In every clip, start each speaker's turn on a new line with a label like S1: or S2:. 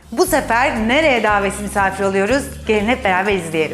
S1: Bu sefer nereye davetsiz misafir oluyoruz? Gelin hep beraber izleyelim.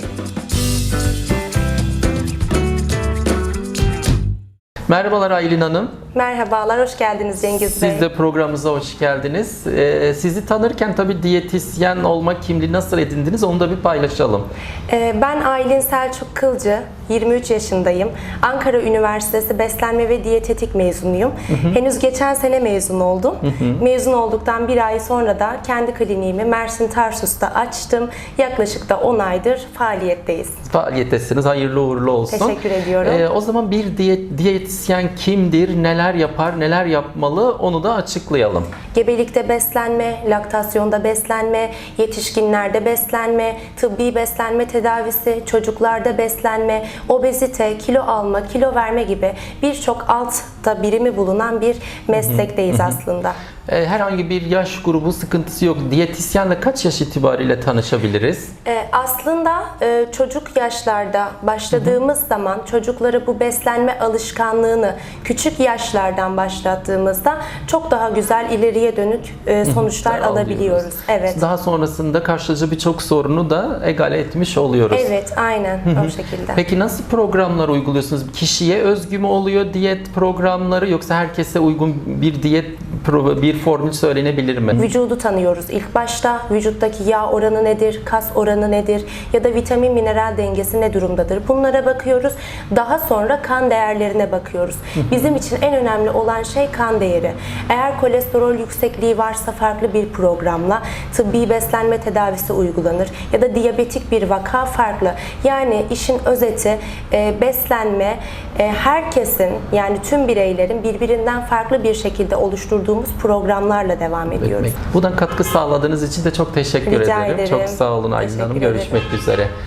S2: Merhabalar Aylin Hanım.
S3: Merhabalar, hoş geldiniz Cengiz Bey.
S2: Siz de programımıza hoş geldiniz. Sizi tanırken tabii diyetisyen olma kimliği nasıl edindiniz onu da bir paylaşalım.
S3: Ben Aylin Selçuk Kılcı, 23 yaşındayım. Ankara Üniversitesi Beslenme ve Diyetetik mezunuyum. Henüz geçen sene mezun oldum. Mezun olduktan bir ay sonra da kendi kliniğimi Mersin Tarsus'ta açtım. Yaklaşık da 10 aydır faaliyetteyiz.
S2: Faaliyettesiniz, hayırlı uğurlu olsun.
S3: Teşekkür ediyorum.
S2: O zaman bir diyetisyen kimdir, neler yapar, neler yapmalı onu da açıklayalım.
S3: Gebelikte beslenme, laktasyonda beslenme, yetişkinlerde beslenme, tıbbi beslenme tedavisi, çocuklarda beslenme, obezite, kilo alma, kilo verme gibi birçok altta birimi bulunan bir meslekteyiz aslında.
S2: Herhangi bir yaş grubu sıkıntısı yok. Diyetisyenle kaç yaş itibariyle tanışabiliriz?
S3: Aslında çocuk yaşlarda başladığımız zaman çocuklara bu beslenme alışkanlığını küçük yaşlardan başlattığımızda çok daha güzel ileriye dönük sonuçlar alabiliyoruz. Evet.
S2: Daha sonrasında karşılayacağı birçok sorunu da egale etmiş oluyoruz.
S3: Evet, aynen o şekilde.
S2: Peki nasıl programlar uyguluyorsunuz? Kişiye özgü mü oluyor diyet programları yoksa herkese uygun bir diyet bir formül söylenebilir mi?
S3: Vücudu tanıyoruz. İlk başta vücuttaki yağ oranı nedir, kas oranı nedir ya da vitamin mineral dengesi ne durumdadır? Bunlara bakıyoruz. Daha sonra kan değerlerine bakıyoruz. Bizim için en önemli olan şey kan değeri. Eğer kolesterol yüksekliği varsa farklı bir programla tıbbi beslenme tedavisi uygulanır ya da diyabetik bir vaka farklı. Yani işin özeti beslenme herkesin yani tüm bireylerin birbirinden farklı bir şekilde oluşturduğumuz programlarla devam ediyoruz.
S2: Buradan katkı sağladığınız için de çok teşekkür
S3: Rica
S2: ederim.
S3: ederim.
S2: Çok sağ olun Aylin Hanım.
S3: Teşekkür ederim.
S2: Görüşmek üzere.